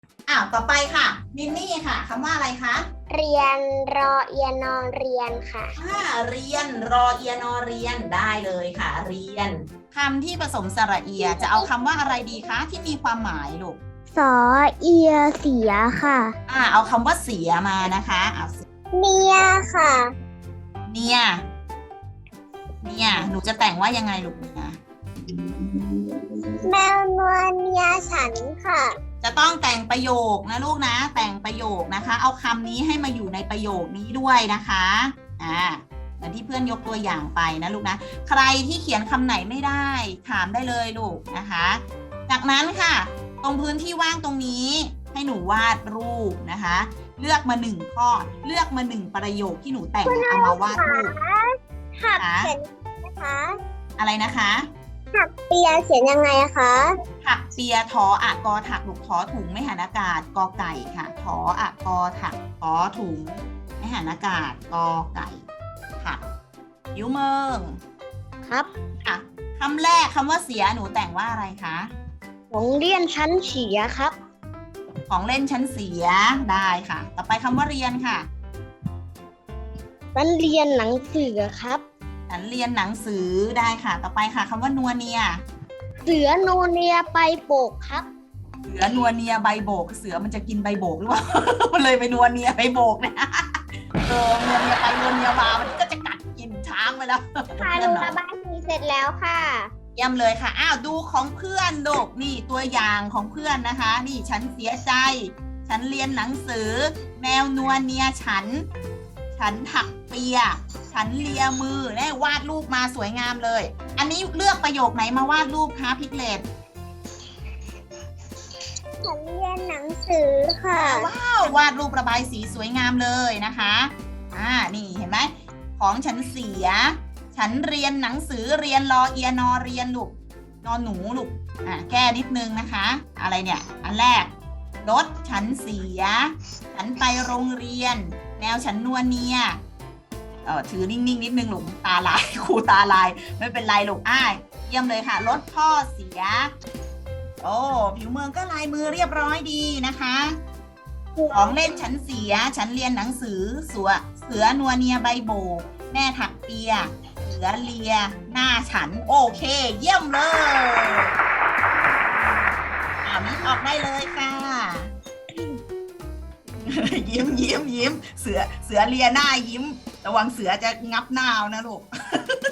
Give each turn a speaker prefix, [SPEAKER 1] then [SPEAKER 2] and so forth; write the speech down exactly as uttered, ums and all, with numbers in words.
[SPEAKER 1] อ้าวต่อไปค่ะมินนี่ค่ะคำว่าอะไรคะ
[SPEAKER 2] เรียนรอเอียนอเรียนค่ะ
[SPEAKER 1] อ่าเรียนรอเอียนอเรียนได้เลยค่ะเรียนคำที่ผสมสระเอียจะเอาคำว่าอะไรดีคะที่มีความหมายลูก
[SPEAKER 2] สอเอียเสียค่ะ
[SPEAKER 1] อ่าเอาคำว่าเสียมานะคะเอา
[SPEAKER 2] เนียค่ะ
[SPEAKER 1] เนี่ยเนี่ยหนูจะแต่งว่ายังไงลูกเนี่ย
[SPEAKER 2] แมวนวลเนียฉันค่ะ
[SPEAKER 1] จะต้องแต่งประโยคนะลูกนะแต่งประโยคนะคะเอาคำนี้ให้มาอยู่ในประโยคนี้ด้วยนะคะอ่าเหมือนที่เพื่อนยกตัวอย่างไปนะลูกนะใครที่เขียนคำไหนไม่ได้ถามได้เลยลูกนะคะจากนั้นค่ะตรงพื้นที่ว่างตรงนี้ให้หนูวาดรูปนะคะเลือกมาหนึ่งข้อเลือกมาหนึ่งประโยคที่หนูแต่งเอามาวาดรูป
[SPEAKER 2] ถักเขียนนะคะ
[SPEAKER 1] อะไรนะคะ
[SPEAKER 2] ถักเปียเขียนยังไงคะ
[SPEAKER 1] ถักเปียทออะกอถักลูกทอถุงไม่หันอากาศกอไก่ค่ะทออะกอถักทอถุงไม่หันอากาศกอไก่ถักยิ้วเมือง
[SPEAKER 2] ครับ
[SPEAKER 1] ค่ะคำแรกคำว่าเสียหนูแต่งว่าอะไรคะ
[SPEAKER 2] ของเรียนชั้นเสียครับ
[SPEAKER 1] ของเล่นชั้นเสียได้ค่ะต่อไปคำว่าเรียนค่ะ
[SPEAKER 2] ฉันเรียนหนังสือครับ
[SPEAKER 1] ฉันเรียนหนังสือได้ค่ะต่อไปค่ะคำว่านัวเนีย
[SPEAKER 2] เสือโนเนียไปโบกครับ
[SPEAKER 1] เสือนัวเนียใบโบกเสือมันจะกินใบโบกหรือเปล่า มันเลยไปนัวเนียใบโบกเนี่ยเออนัวเนียไปนัวเนียมามันก็จะกัดกินช้างไปแล้ว
[SPEAKER 2] ค่ะหนูระบายสีเสร็จแล้วค่ะ
[SPEAKER 1] เยี่ยมเลยค่ะอ้าวดูของเพื่อนลูกนี่ตัวอย่างของเพื่อนนะคะนี่ฉันเสียใจฉันเรียนหนังสือแมวนัวเนียฉันฉันถักเปียฉันเลียมือเนี่ยวาดรูปมาสวยงามเลยอันนี้เลือกประโยคไหนมาวาดรูปคะพิกเลต
[SPEAKER 2] ฉันเรียนหนังสือค่ะ
[SPEAKER 1] ว้าววาดรูประบายสีสวยงามเลยนะคะอ่านี่เห็นไหมของฉันเสียฉันเรียนหนังสือเรียนรอเอียนอเรียนลูกนอนหนูลูกอ่าแก้นิดนึงนะคะอะไรเนี่ยอันแรกรถฉันเสียฉันไปโรงเรียนแมวฉันนัวเนียเออถือนิ่งๆนิดนึงลูกตาลายครูตาลายไม่เป็นไรลูกอ้ายเยี่ยมเลยค่ะรถพ่อเสียโอ้ผิวเมืองก็ลายมือเรียบร้อยดีนะคะของเล่นฉันเสียฉันเรียนหนังสือเสือเสือนัวเนียใบโบกแม่ถักเปียเสือเลียหน้าฉันโอเคเยี่ยมเลยอ่ามิออกได้เลยค่ะยิ้มยิ้มยิ้มเสือเสือเลียหน้ายิ้มระวังเสือจะงับหน้านะลูก